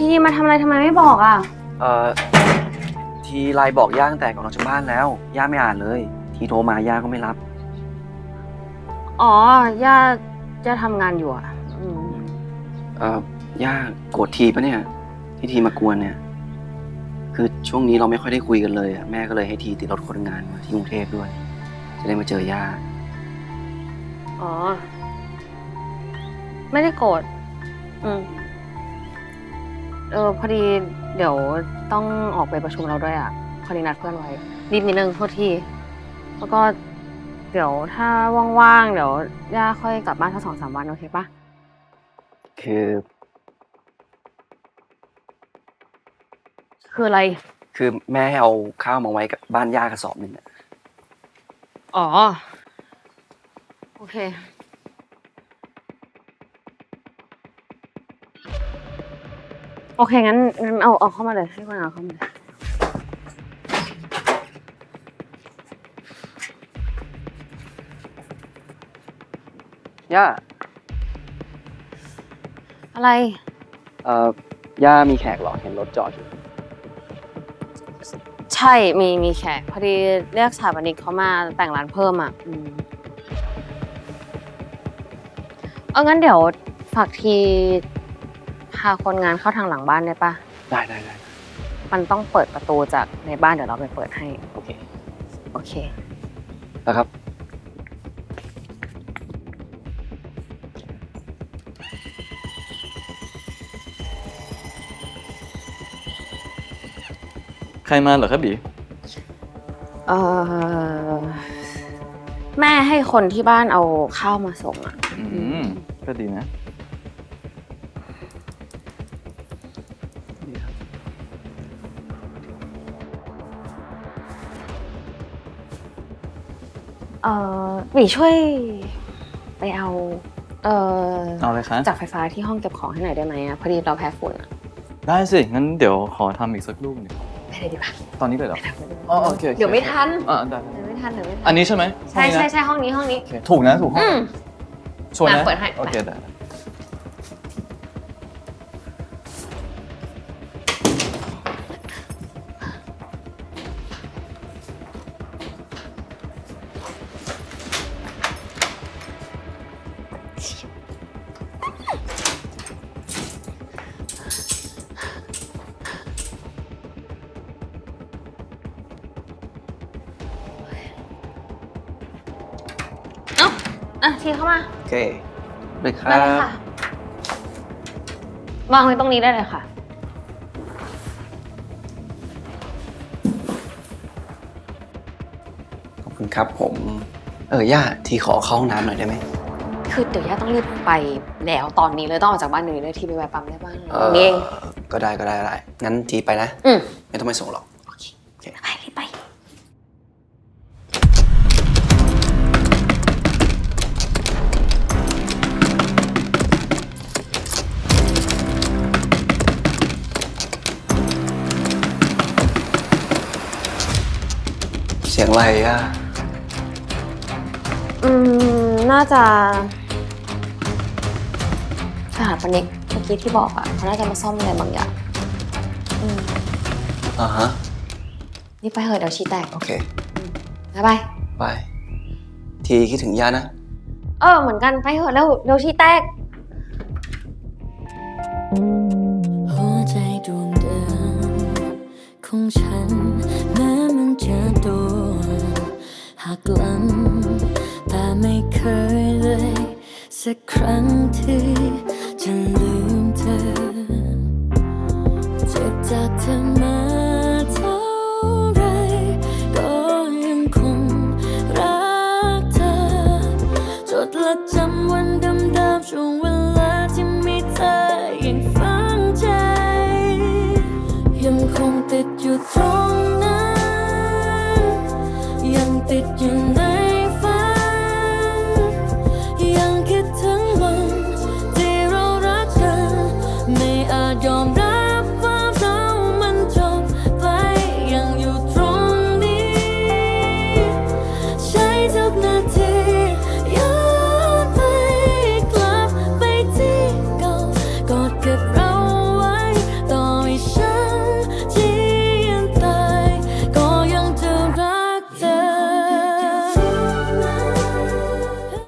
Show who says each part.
Speaker 1: ทีมาทำอะไรทำไมไม่บอกอ่ะ
Speaker 2: ทีไลน์บอกย่าตั้งแต่ก่อนออกจากบ้านแล้วย่าไม่อ่านเลยทีโทรมาย่าก็ไม่รับ
Speaker 1: อ๋อย่าทำงานอยู่อ่ะ
Speaker 2: ย่าโกรธทีปะเนี่ยที่ทีมากวนเนี่ยคือช่วงนี้เราไม่ค่อยได้คุยกันเลยแม่ก็เลยให้ทีติดรถคนงานมาที่กรุงเทพด้วยจะได้มาเจอย่า
Speaker 1: อ๋อไม่ได้โกรธพอดีเดี๋ยวต้องออกไปประชุมเราด้วยอ่ะพอดีนัดเพื่อนไว้รีบนิดนึงโทษทีแล้วก็เดี๋ยวถ้าว่างๆเดี๋ยวย่าค่อยกลับบ้านสัก2-3 วันโอเคปะคืออะไร
Speaker 2: คือแม่ให้เอาข้าวมาไว้กับบ้านย่ากระสอบหนึ่งอ่ะ
Speaker 1: อ๋อโอเคโอเคงั้นเอาเข้ามาเลยให้คนเอาเข้ามาเลย
Speaker 2: ย่า
Speaker 1: อะไร
Speaker 2: ย่ามีแขกเหรอเห็นรถจอดอยู่
Speaker 1: ใช่มีแขกพอดีเรียกสถาปนิกเขามาแต่งร้านเพิ่มอ่ะงั้นเดี๋ยวฝากทีพาคนงานเข้าทางหลังบ้านได้ปะ
Speaker 2: ได้
Speaker 1: มันต้องเปิดประตูจากในบ้านเดี๋ยวเราไปเปิดให้
Speaker 2: โอเค
Speaker 1: นะครับ
Speaker 3: ใครมาเหรอครับบี
Speaker 1: แม่ให้คนที่บ้านเอาข้าวมาส่งอ่ะ
Speaker 3: ก็ดีนะ
Speaker 1: หมีช่วยไปเอา
Speaker 3: เลยคะ
Speaker 1: จากไฟฟ้าที่ห้องเก็บของให้หน่อยได้ไหมพอดีเราแพ้ฝุ่นอ่ะ
Speaker 3: ได้สิงั้นเดี๋ยวขอทำอีกสักลูกหนึ่ง
Speaker 1: ไปเลยดีป่ะ
Speaker 3: ตอนนี้เลยเหรอโอเค
Speaker 1: เดี๋ยวไม่ทัน
Speaker 3: ได้
Speaker 1: เดี๋ยวไม่ทัน
Speaker 3: อันนี้ใช่ไหม
Speaker 1: ใช่ห้องนี้
Speaker 3: ถูกนะถูกห้องชวนนะ
Speaker 1: เปิดให้
Speaker 3: โอเคได้
Speaker 1: ทีเข้ามา
Speaker 2: โอเคเลยครั
Speaker 1: ได้เลยค่ะวางไว้ตรงนี้ได้เลยค่ะ
Speaker 2: ขอบคุณครับผมย่าทีขอเข้าห้องน้ำหน่อยได้ไหม
Speaker 1: คือเดี๋ยวย่าต้องรีบไปแล้วตอนนี้เลยต้องออกจากบ้านนี้เลยทีไปแวะปั๊มได้บ้างนี่เอง
Speaker 2: ก็ได้งั้นทีไปนะไม่ต้องไปส่งหรอก
Speaker 1: โอเคไปรีบไป
Speaker 2: เสียงอะไรอ่ะ
Speaker 1: น่าจะสถาปนิกเมื่อกี้ที่บอกเขาน่าจะมาซ่อมอะไรบางอย่าง
Speaker 2: ฮะ
Speaker 1: นี่ไปเถอะเดี๋ยวชี้แตก
Speaker 2: โอเค
Speaker 1: บาย
Speaker 2: ทีคิดถึงย่านะ
Speaker 1: เหมือนกันไปเถอะเร็วชี้แตก
Speaker 4: หัวใจดวงเดิมของฉันแม้มันจะโดนหักหลังแต่ไม่เคยเลยสักครั้งที่จะลืมเธอเจ็บจากเธอมาเท่าไรก็ยังคงรักเธอจดและจำวันเดิมๆช่วงเวลาที่มีเธอยังฝังใจยังคงติดอยู่ตรงนั้นยังติดอยู่ใน